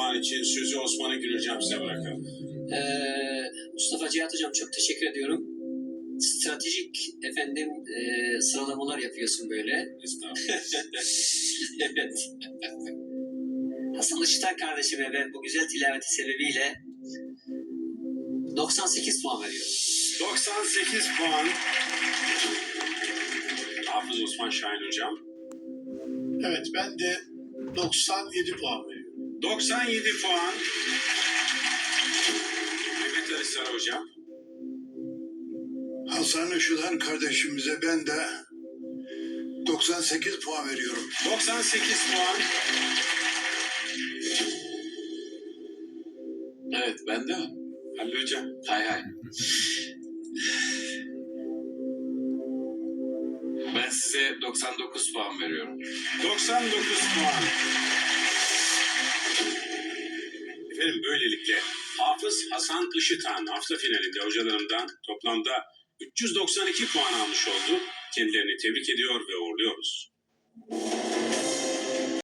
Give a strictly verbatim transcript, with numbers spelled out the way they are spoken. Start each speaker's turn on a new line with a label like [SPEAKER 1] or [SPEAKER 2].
[SPEAKER 1] puan için sözü Osman'a Gül Hocam size bırakalım.
[SPEAKER 2] Ee, Mustafa Cihat Hocam çok teşekkür ediyorum. Stratejik efendim e, sıralamalar yapıyorsun böyle.
[SPEAKER 1] Estağfurullah.
[SPEAKER 2] Evet. Hasan Işıtan kardeşime ve bu güzel tilaveti sebebiyle doksan sekiz puan veriyorum.
[SPEAKER 1] doksan sekiz puan. Hafız Osman Şahin Hocam.
[SPEAKER 3] Evet, ben de doksan yedi puan veriyorum.
[SPEAKER 1] doksan yedi puan. Mehmet Ali Sara Hocam.
[SPEAKER 4] Hasan Işıtan kardeşimize ben de doksan sekiz puan veriyorum.
[SPEAKER 1] doksan sekiz puan.
[SPEAKER 5] Evet, ben de.
[SPEAKER 1] Halil Hocam.
[SPEAKER 5] Hay hay. Ben size doksan dokuz puan veriyorum.
[SPEAKER 1] doksan dokuz puan. Efendim böylelikle Hafız Hasan Işıtan hafta finalinde hocalarımdan toplamda üç yüz doksan iki puan almış oldu. Kendilerini tebrik ediyor ve uğurluyoruz.